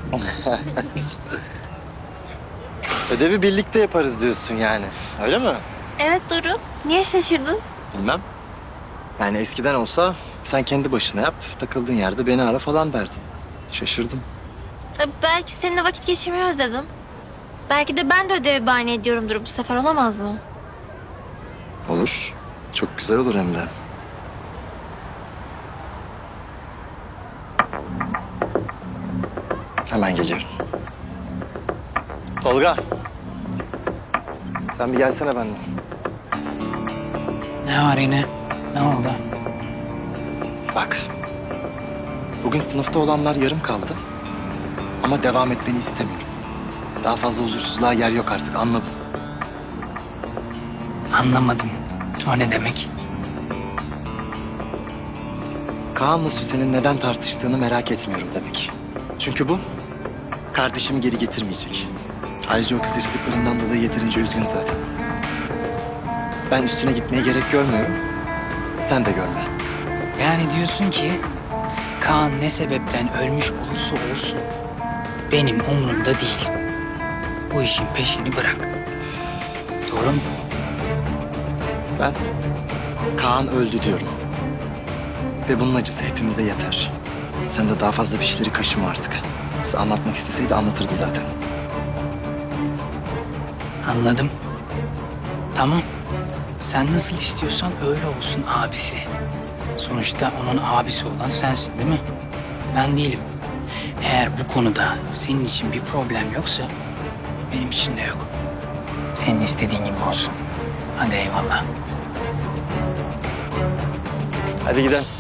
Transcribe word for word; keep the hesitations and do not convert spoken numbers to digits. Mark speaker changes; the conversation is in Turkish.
Speaker 1: Ödevi birlikte yaparız diyorsun yani. Öyle mi?
Speaker 2: Evet Doruk. Niye şaşırdın?
Speaker 1: Bilmem. Yani eskiden olsa sen kendi başına yap, takıldığın yerde beni ara falan derdin. Şaşırdım.
Speaker 2: E, Belki seninle vakit geçirmeyi özledim. Belki de ben de ödevi bahane ediyorumdur bu sefer, olamaz mı?
Speaker 1: Olur. Çok güzel olur hem de. Hemen geliyorum. Tolga. Sen bir gelsene benden.
Speaker 3: Ne var yine? Ne oldu?
Speaker 1: Bak. Bugün sınıfta olanlar yarım kaldı. Ama devam etmeni istemiyorum. Daha fazla huzursuzluğa yer yok artık, anla bunu.
Speaker 3: Anlamadım. O ne demek?
Speaker 1: Kaan'la Süsen'in neden tartıştığını merak etmiyorum demek. Çünkü bu kardeşimi geri getirmeyecek. Ayrıca o kız yaşadıklarından dolayı yeterince üzgün zaten. Ben üstüne gitmeye gerek görmüyorum. Sen de görme.
Speaker 3: Yani diyorsun ki Kaan ne sebepten ölmüş olursa olsun benim umurumda değil. Bu işin peşini bırak. Doğru mu?
Speaker 1: Ben Kaan öldü diyorum. Ve bunun acısı hepimize yeter. Sen de daha fazla bir şeyleri kaşıma artık. Size anlatmak isteseydi anlatırdı zaten.
Speaker 3: Anladım. Tamam. Sen nasıl istiyorsan öyle olsun abisi. Sonuçta onun abisi olan sensin değil mi? Ben değilim. Eğer bu konuda senin için bir problem yoksa benim için de yok. Senin istediğin gibi olsun. Hadi eyvallah.
Speaker 1: Hadi gidelim.